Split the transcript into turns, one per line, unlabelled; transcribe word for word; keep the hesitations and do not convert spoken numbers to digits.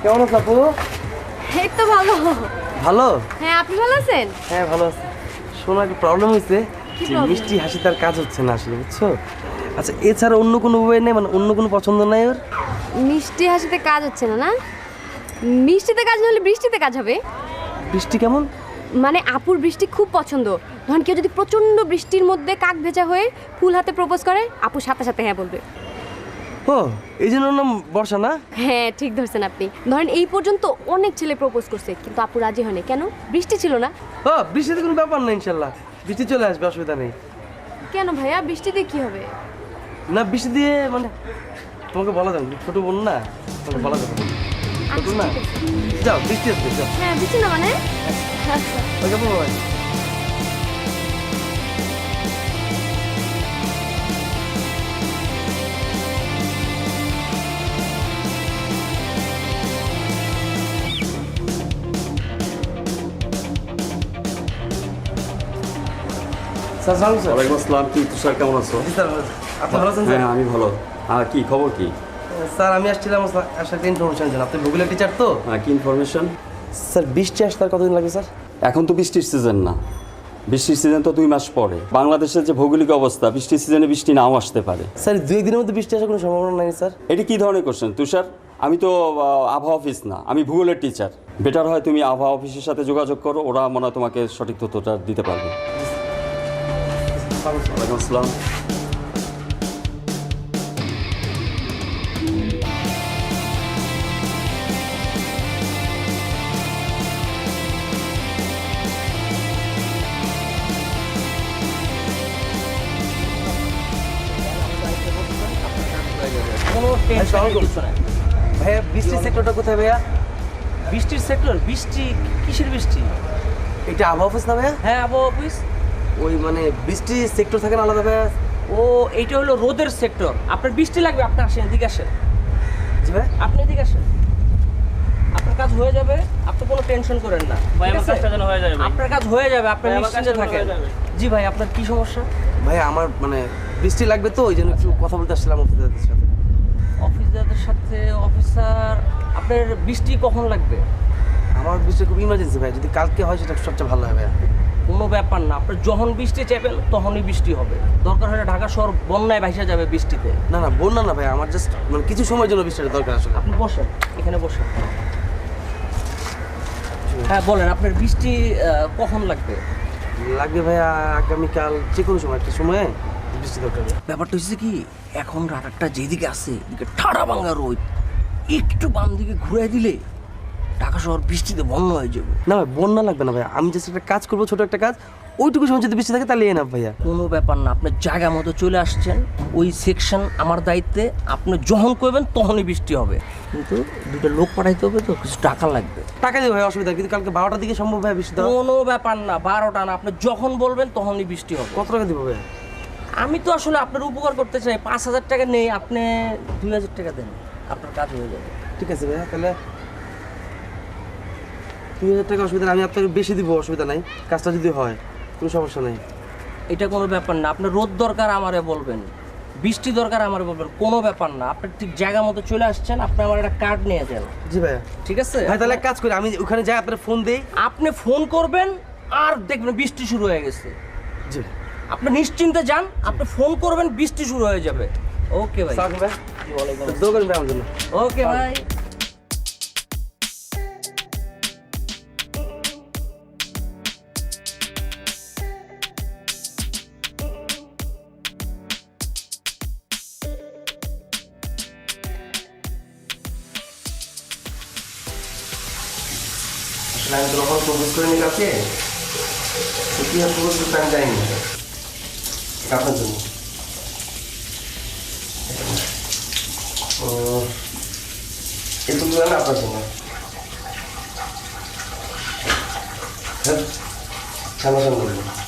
কেমন আছো আপু?
এই তো ভালো।
ভালো?
হ্যাঁ, আপনি ভালো আছেন?
হ্যাঁ ভালো আছি। শোনো, একটা প্রবলেম হয়েছে।
কি
যে
problem?
মিষ্টি হাসি তার কাজ হচ্ছে না আসলে, বুঝছো? আচ্ছা, এছাড়া অন্য কোনো উপায় নেই, মানে অন্য কোনো পছন্দ নাই ওর?
মিষ্টি হাসিতে কাজ হচ্ছে না না? মিষ্টিতে কাজ না হলে বৃষ্টিতে কাজ হবে।
বৃষ্টি কেমন?
মানে আপুর বৃষ্টি খুব পছন্দ। ধরেন কেউ যদি প্রচন্ড বৃষ্টির মধ্যে কাক ভেজা হয়ে ফুল হাতে প্রপোজ করে, আপু সাথে সাথে হ্যাঁ বলবে।
ও, এই জন্য ওর নাম বর্ষা না?
হ্যাঁ, ঠিক ধরছেন আপনি। ধরেন এই পর্যন্ত অনেক ছেলে প্রপোজ করছে, কিন্তু আপু রাজি হয়নি। কেন? বৃষ্টি ছিল না।
ও, বৃষ্টিতে কোনো ব্যাপার না, ইনশাল্লাহ বৃষ্টি চলে আসবে, অসুবিধা নেই।
কেন ভাইয়া, বৃষ্টিতে কি হবে?
না, বৃষ্টি দিয়ে মানে তোমাকে বলা যাবে, ছোট বোন না, তোমাকে বলা যাবে না। ছোট
আচ্ছা,
না?
ঠিক আছে।
যাও, বৃষ্টি আসবে, যাও।
হ্যাঁ, বৃষ্টি না মানে? আচ্ছা।
ওকে বাবা। স্যার সালাম স্যার।
ওয়ালাইকুম আসসালাম। কি তুষার, কেমন আছো?
জি স্যার, ভালো আছি। আপনি ভালো আছেন স্যার?
হ্যাঁ, আমি ভালো। আর কি খবর কি?
স্যার আমি আসছিলাম আসলে একটা ইনফরমেশন জানার। আপনি ভূগোলের টিচার তো?
হ্যাঁ, কি ইনফরমেশন?
স্যার বৃষ্টি আসতে আর কতদিন লাগবে স্যার?
এখন তো বৃষ্টির সিজন না, বৃষ্টির সিজন তো দুই মাস পরে। বাংলাদেশের যে ভৌগোলিক অবস্থা, বৃষ্টির সিজনে বৃষ্টি নাও আসতে পারে।
স্যার দুই একদিনের মধ্যে বৃষ্টি আসার কোনো সম্ভাবনা নাই স্যার?
এটি কি ধরনের কোশ্চেন তুষার? আমি তো আহ, আবহাওয়া অফিস না, আমি ভূগোলের টিচার। বেটার হয় তুমি আবহাওয়া অফিসের সাথে যোগাযোগ করো, ওরা মনে হয় তোমাকে সঠিক তথ্যটা দিতে পারবে। ওয়ালাইকুম আসসালাম।
কোনো টেনশন কিছু নাই।
ভাইয়া বৃষ্টির সেক্টরটা কোথায় ভাইয়া?
বৃষ্টির সেক্টর? বৃষ্টি কিসের বৃষ্টি?
এটা আবহাওয়া অফিস না ভাইয়া?
হ্যাঁ, আবহাওয়া অফিস।
ওই মানে বৃষ্টির সেক্টর থাকে না আলাদা ভাইয়া?
ও, এইটা হলো রোদের সেক্টর। আপনার বৃষ্টি লাগবে, আপনি আসেন, এদিকে আসেন।
জি ভাই।
আপনি এদিকে আসেন, আপনার কাজ হয়ে যাবে, আপনি কোনো টেনশন করেন না।
ভাই,
ঠিক
আমার
আছে?
কাজটা যেন হয়ে যায় ভাই।
আপনার কাজ হয়ে যাবে, আপনি
ভাই, আমার
নিশ্চিন্তে
কাজটা
থাকেন।
হয়ে যাবে।
জি ভাই, আপনার কি সমস্যা?
ভাইয়া আমার মানে বৃষ্টি লাগবে তো, ওই জন্য একটু কথা বলতে আসছিলাম অফিসারদের সাথে।
অফিসারদের সাথে? অফিসার, আপনার বৃষ্টি কখন লাগবে?
আমার বৃষ্টি খুব ইমার্জেন্সি ভাই, যদি কালকে হয় সেটা সবচেয়ে ভালো হয় ভাইয়া।
কোনো ব্যাপার না, আপনার যখন বৃষ্টি চাইবেন তখনই বৃষ্টি হবে। দরকার হলে ঢাকা শহর বন্যায় ভাইসা যাবে বৃষ্টিতে।
না না, বন্যা না ভাই, আমার জাস্ট মানে কিছু সময়ের জন্য বৃষ্টিটা দরকার আসলে।
আপনি বসেন, এখানে বসেন। হ্যাঁ বলেন, আপনার বৃষ্টি আহ, কখন লাগবে?
লাগবে ভাইয়া আগামীকাল যে কোনো সময়, একটা সময়ে বৃষ্টি দরকার।
ব্যাপারটা হচ্ছে কি, এখন রাডারটা যেদিকে আছে এদিকে ঠাড়া ভাঙা রোদ, একটু বাম দিকে ঘুরে দিলে ঢাকা শহর বৃষ্টিতে বন্যা হয়ে যাবে।
না ভাই, বন্যা লাগবে না ভাইয়া, আমি জাস্ট একটা কাজ করবো, ছোট একটা কাজ, ওইটুকু সময় যদি বৃষ্টি থাকে তাহলে এনাফ ভাইয়া।
কোনো ব্যাপার না, আপনার জায়গা মতো চলে আসছেন, ওই সেকশন আমার দায়িত্বে। আপনি যখন করবেন তখনই বৃষ্টি হবে, কিন্তু দুটো লোক পাঠাইতে হবে, তো কিছু টাকা লাগবে।
টাকা দিবে ভাই, অসুবিধা নেই, কিন্তু কালকে বারোটার দিকে সম্ভব ভাই বৃষ্টি দেওয়া?
কোনো ব্যাপার না, বারোটা না, আপনি যখন বলবেন তখনই বৃষ্টি হবে।
কত টাকা দিব ভাইয়া?
আমি তো আসলে আপনার উপকার করতে চাই, পাঁচ হাজার টাকা নেই, আপনি দুই হাজার টাকা দেন, আপনার কাজ হয়ে যাবে।
ঠিক আছে ভাইয়া, তাহলে দুই হাজার টাকা অসুবিধা নেই, আমি আপনাকে বেশি দিব, অসুবিধা নাই, কাজটা যদি হয় কোনো সমস্যা নেই।
এটা কোনো ব্যাপার না, আপনার রোদ দরকার আমারে বলবেন, বৃষ্টি দরকার আমারে বলবেন, কোনো ব্যাপার না। আপনি ঠিক জায়গা মতো চলে আসছেন, আপনি আমার একটা কার্ড নিয়ে যান।
জি ভাইয়া।
ঠিক আছে
ভাই তাহলে এক কাজ করি, আমি ওখানে যাই, আপনার ফোন দিই।
আপনি ফোন করবেন আর দেখবেন বৃষ্টি শুরু হয়ে গেছে।
জি
আপনি নিশ্চিন্তে যান, আপনি ফোন করবেন, বৃষ্টি শুরু হয়ে যাবে। ওকে ভাই।
সালাম ভাই,
ওয়ালাইকুম
দোয়া করবেন ভাই আমার জন্য।
আসসালাম। ওকে ভাই।
আসলে আমি তো কখনো প্রপোজ করিনি কাউকে, তো কি আর প্রপোজ করতে আমি যাইনি আপনার জন্য। উম, এই ফুলগুলো না আপনার জন্য। হ্যাঁ, সামনাসামনি বলবো।